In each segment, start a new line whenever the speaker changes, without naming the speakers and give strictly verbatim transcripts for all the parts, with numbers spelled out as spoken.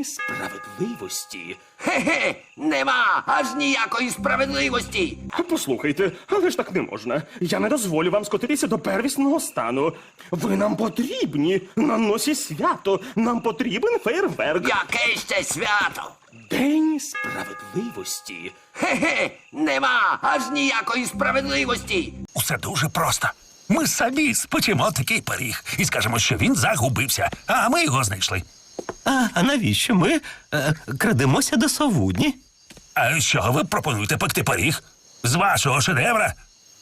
День справедливості.
Справедливості? Хе-хе, нема аж ніякої справедливості.
Послухайте, але ж так не можна. Я не дозволю вам скотитися до первісного стану. Ви нам потрібні. На носі свято. Нам потрібен фейерверк.
Яке ще свято?
День
Справедливості? Хе-хе, нема аж ніякої справедливості.
Усе дуже просто. Ми самі спечемо такий пиріг і скажемо, що він загубився, а ми його знайшли.
А, а навіщо ми е, крадемося до совудні?
А що ви пропонуєте пекти пиріг? З вашого шедевра?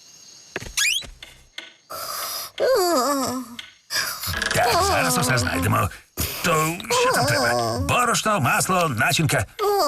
Так, зараз усе знайдемо. То що там треба? Борошно, масло, начинка.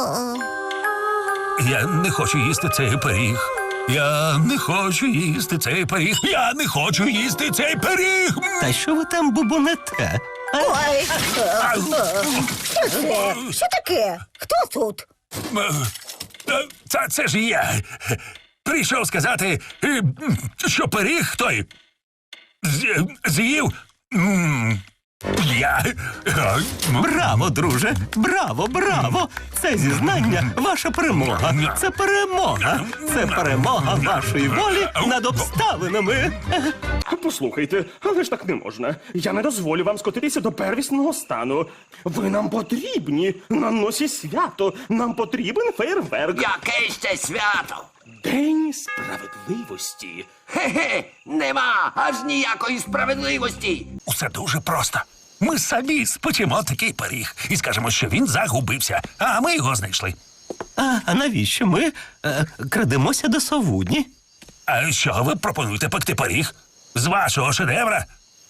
Я не хочу їсти цей пиріг. Я не хочу їсти цей пиріг. Я не хочу їсти цей пиріг.
Та що ви там бубонете? А,
Ой,
Ау.
що це? Що таке? Хто тут?
Е, Це, це ж я. Прийшов сказати, е, що пиріг той з- з'їв. м, Я. Е,
браво, друже! Браво, браво! Це зізнання ваша перемога. Це перемога. Це перемога вашої волі над обставинами.
Послухайте, але ж так не можна. Я не дозволю вам скотитися до первісного стану. Ви нам потрібні. На носі свято. Нам потрібен фейерверк.
Яке ще свято?
День
Справедливості? Хе-хе, нема аж ніякої справедливості.
Усе дуже просто. Ми самі спечемо такий пиріг і скажемо, що він загубився, а ми його знайшли.
А, а навіщо ми е, крадемося до совудні?
А що ви пропонуєте пекти пиріг? З вашого шедевра?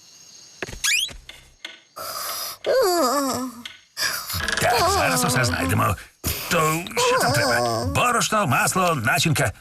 Так, зараз усе знайдемо. То що там треба? Борошно, масло, начинка.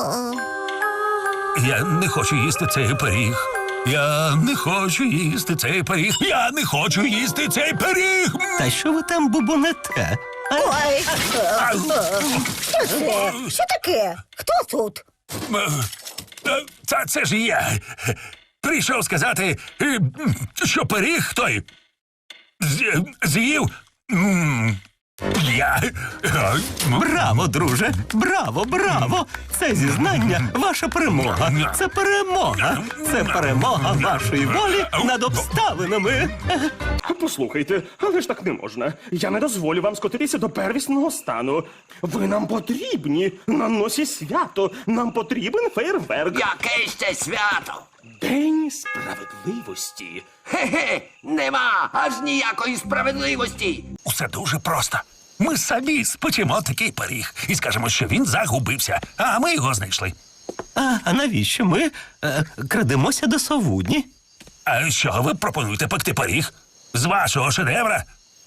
Я не хочу їсти цей пиріг. Я не хочу їсти цей пиріг. Я не хочу їсти цей пиріг.
Та що ви там бубонете? А,
Ой,
Ау.
що це? Що таке? Хто тут?
Е, Це, це ж я. Прийшов сказати, е, що пиріг той з- з'їв. м, Я. Е,
браво, друже! Браво, браво! Це зізнання ваша перемога. Це перемога. Це перемога вашої волі над обставинами.
Послухайте, але ж так не можна. Я не дозволю вам скотитися до первісного стану. Ви нам потрібні. На носі свято. Нам потрібен фейерверк.
Яке ще свято?
День
Справедливості? Хе-хе, нема аж ніякої справедливості.
Усе дуже просто. Ми самі спечемо такий пиріг і скажемо, що він загубився, а ми його знайшли.
А, а навіщо ми е, крадемося до совудні?
А що ви пропонуєте пекти пиріг? З вашого шедевра?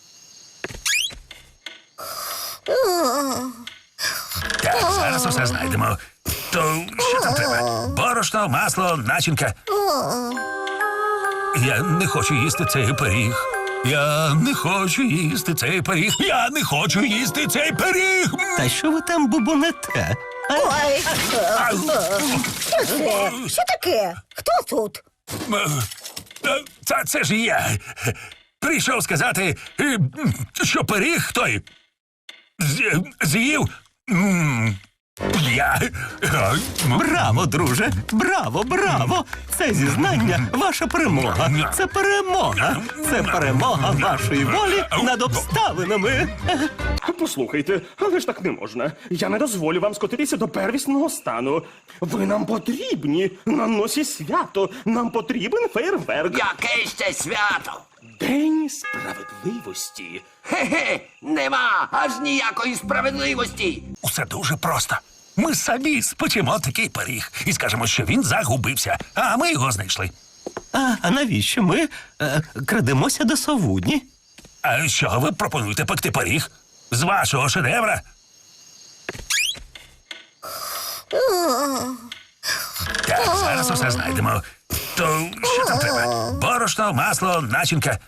Так, зараз усе знайдемо. То що там треба? Борошно, масло, начинка. Я не хочу їсти цей пиріг. Я не хочу їсти цей пиріг. Я не хочу їсти цей пиріг.
Та що ви там бубонете? А,
Ой,
Ау.
що це? Що таке? Хто тут?
Е, Це, це ж я. Прийшов сказати, е, що пиріг той з- з'їв. м, Я. Е,
браво, друже! Браво, браво! Це зізнання ваша перемога. Це перемога. Це перемога вашої волі над обставинами.
Послухайте, але ж так не можна. Я не дозволю вам скотитися до первісного стану. Ви нам потрібні. На носі свято. Нам потрібен фейерверк.
Яке ще свято?
День
Справедливості? Хе-хе, нема аж ніякої справедливості.
Усе дуже просто. Ми самі спечемо такий пиріг і скажемо, що він загубився, а ми його знайшли.
А, а навіщо ми е, крадемося до совудні?
А що ви пропонуєте пекти пиріг? З вашого шедевра? Так, зараз усе знайдемо. То що там треба? Борошно, масло, начинка.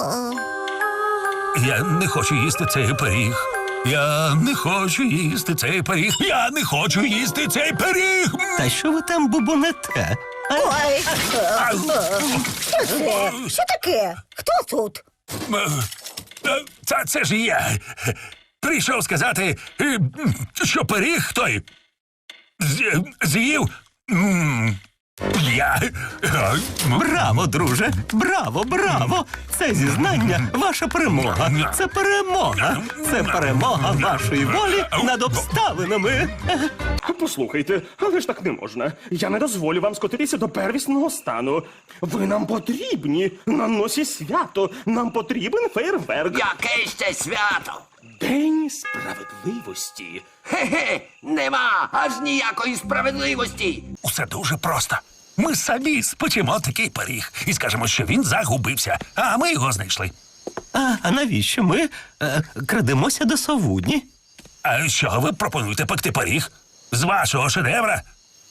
Я не хочу їсти цей пиріг. Я не хочу їсти цей пиріг. Я не хочу їсти цей пиріг.
Та що ви там бубонете? А,
Ой,
Ау.
що це? Що таке? Хто тут?
Е, Е, Та це ж я. Прийшов сказати, е, що пиріг той з- з'їв. м, Я. Е, м,
Браво, друже! Браво, браво! Це зізнання ваша перемога. Це перемога. Це перемога вашої волі над обставинами.
Послухайте, але ж так не можна. Я не дозволю вам скотитися до первісного стану. Ви нам потрібні на носі свято. Нам потрібен фейерверк.
Яке ще свято?
День сп...
Справедливості? Хе-хе, нема аж ніякої справедливості.
Усе дуже просто. Ми самі спечемо такий пиріг і скажемо, що він загубився, а ми його знайшли.
А, а навіщо ми е, крадемося до совудні?
А що ви пропонуєте пекти пиріг? З вашого шедевра?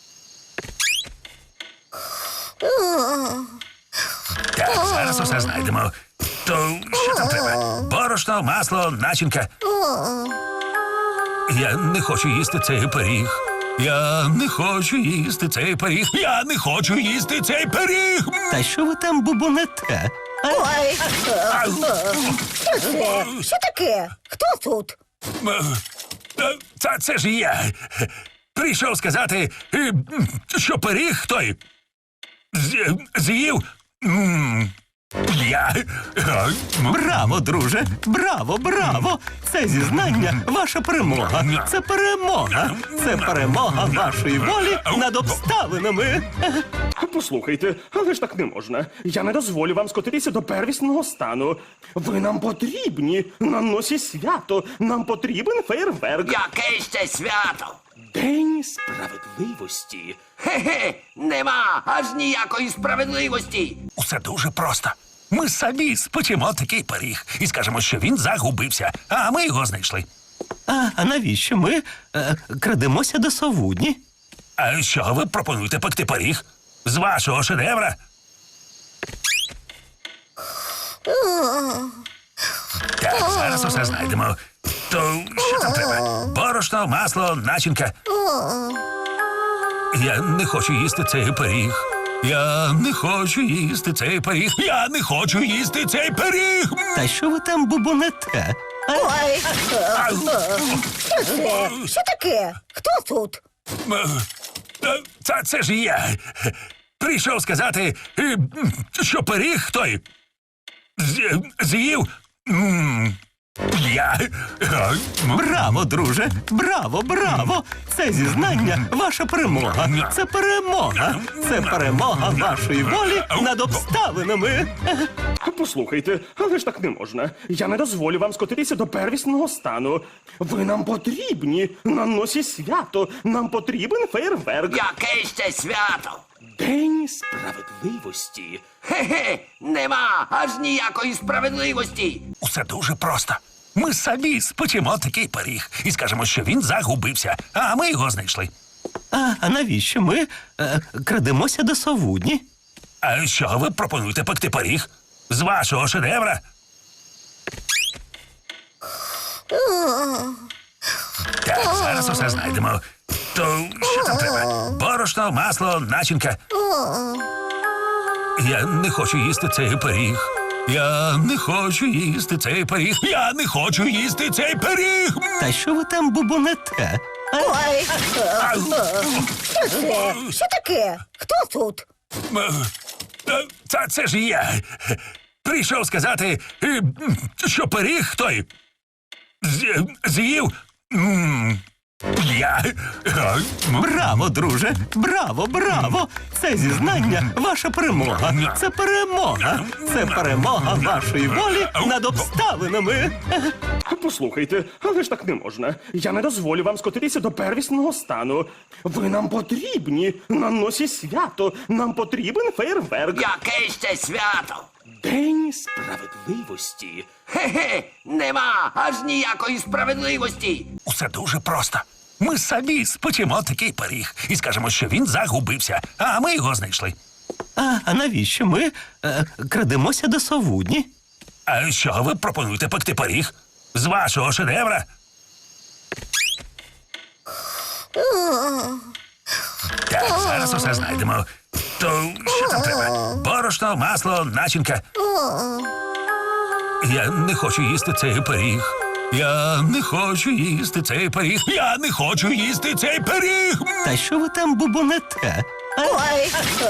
Так, зараз усе знайдемо. То що там треба? Борошно, масло, начинка. Я не хочу їсти цей пиріг. Я не хочу їсти цей пиріг. Я не хочу їсти цей пиріг.
Та що ви там бубонете? А,
Ой,
Ау.
що це? Що таке? Хто тут?
Е, Та це ж я. Прийшов сказати, е, що пиріг той з- з'їв. м, Я. Е, м,
Браво, друже! Браво, браво! Це зізнання ваша перемога. Це перемога. Це перемога вашої волі над обставинами.
Послухайте, але ж так не можна. Я не дозволю вам скотитися до первісного стану. Ви нам потрібні на носі свято. Нам потрібен фейерверк.
Яке ще свято?
День сп...
Справедливості? Хе-хе, нема аж ніякої справедливості.
Усе дуже просто. Ми самі спечемо такий пиріг і скажемо, що він загубився, а ми його знайшли.
А, а навіщо ми е, крадемося до совудні?
А що ви пропонуєте пекти пиріг? З вашого шедевра? Так, зараз усе знайдемо. То що там треба? Борошно, масло, начинка. Я не хочу їсти цей пиріг. Я не хочу їсти цей пиріг. Я не хочу їсти цей пиріг.
Та що ви там бубонете? А,
Ой,
Ау.
що це? Що таке? Хто тут?
Е, Та це ж я. Прийшов сказати, е, що пиріг той з- з'їв. м, Я. Е, м,
Браво, друже! Браво, браво! Це зізнання ваша перемога. Це перемога. Це перемога вашої волі над обставинами.
Послухайте, але ж так не можна. Я не дозволю вам скотитися до первісного стану. Ви нам потрібні на носі свято. Нам потрібен фейерверк.
Яке ще свято?
День сп...
Справедливості? Хе-хе, нема аж ніякої справедливості.
Усе дуже просто. Ми самі спечемо такий пиріг і скажемо, що він загубився, а ми його знайшли.
А, а навіщо ми е, крадемося до совудні?
А що ви пропонуєте пекти пиріг? З вашого шедевра? Так, зараз усе знайдемо. То що там треба? Борошно, масло, начинка. Я не хочу їсти цей пиріг. Я не хочу їсти цей пиріг. Я не хочу їсти цей пиріг.
Та що ви там бубонете? А,
Ой,
Ау.
що це? Що таке? Хто тут?
Е, Та це ж я. Прийшов сказати, е, що пиріг той з- з'їв. м, Я. Е, м,
Браво, друже! Браво, браво! Це зізнання ваша перемога. Це перемога. Це перемога вашої волі над обставинами.
Послухайте, але ж так не можна. Я не дозволю вам скотитися до первісного стану. Ви нам потрібні на носі свято. Нам потрібен фейерверк.
Яке ще свято?
День сп...
Справедливості? Хе-хе, нема аж ніякої справедливості.
Усе дуже просто. Ми самі спечемо такий пиріг і скажемо, що він загубився, а ми його знайшли.
А, а навіщо ми е, крадемося до совудні?
А що ви пропонуєте пекти пиріг? З вашого шедевра? Так, зараз усе знайдемо. То що там треба? Борошно, масло, начинка. Я не хочу їсти цей пиріг. Я не хочу їсти цей пиріг. Я не хочу їсти цей пиріг.
Та що ви там бубонете? А?
Ой,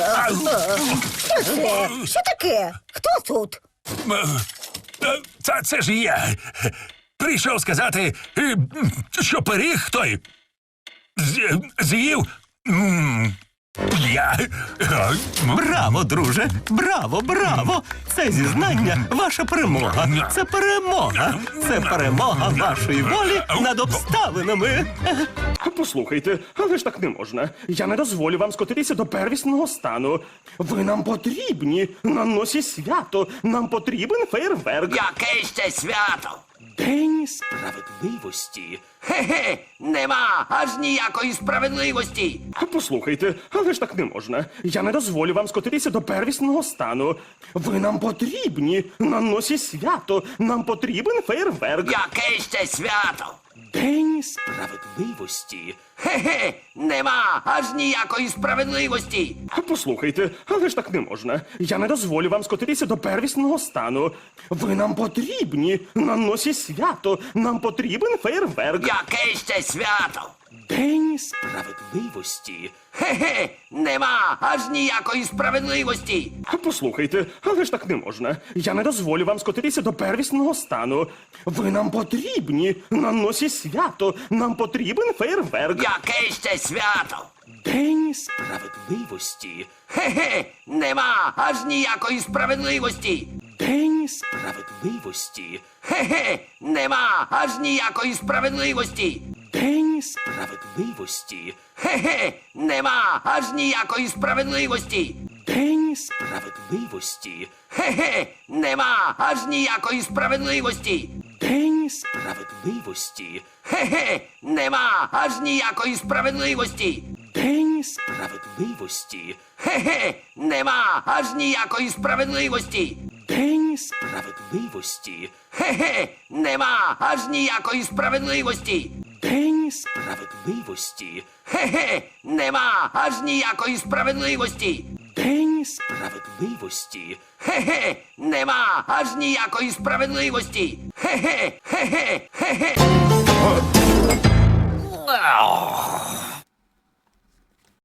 що це? Що таке? Хто тут?
Е, Це, це ж я. Прийшов сказати, е, що пиріг той з- з'їв. м, Я. е, м,
Браво, друже! Браво, браво! Це зізнання ваша перемога. Це перемога. Це перемога вашої волі над обставинами.
Послухайте, але ж так не можна. Я не дозволю вам скотитися до первісного стану. Ви нам потрібні на носі свято. Нам потрібен фейерверк.
Яке ще свято?
День сп...
Справедливості? Хе-хе, нема аж ніякої справедливості.
Послухайте, але ж так не можна. Я не дозволю вам скотитися до первісного стану. Ви нам потрібні на носі свято. Нам потрібен фейерверк.
Яке ще свято?
День сп...
Справедливості? Хе-хе, нема аж ніякої справедливості.
Послухайте, але ж так не можна. Я не дозволю вам скотитися до первісного стану. Ви нам потрібні на носі свято. Нам потрібен фейерверк.
Яке ще свято?
День сп...
Справедливості? Хе-хе, нема аж ніякої справедливості.
Послухайте, але ж так не можна. Я не дозволю вам скотитися до первісного стану. Ви нам потрібні на носі свято. Нам потрібен фейерверк.
Яке ще свято?
День сп...
Справедливості? Хе-хе, нема аж ніякої справедливості.
День сп...
Справедливості? Хе-хе, нема аж ніякої справедливості.
День сп...
Справедливості? Хе-хе, нема аж ніякої справедливості.
День сп...
Справедливості? Хе-хе, нема аж ніякої справедливості.
День сп...
Справедливості? Хе-хе, нема аж ніякої справедливості.
День сп...
Справедливості? Хе-хе, нема аж ніякої справедливості.
День сп...
Справедливості? Хе-хе, нема аж ніякої справедливості.
День сп...
Справедливості? Хе-хе, нема аж ніякої справедливості.
День сп...
Справедливості? Хе-хе, нема аж ніякої справедливості. Хе-хе, хе-хе, хе-хе.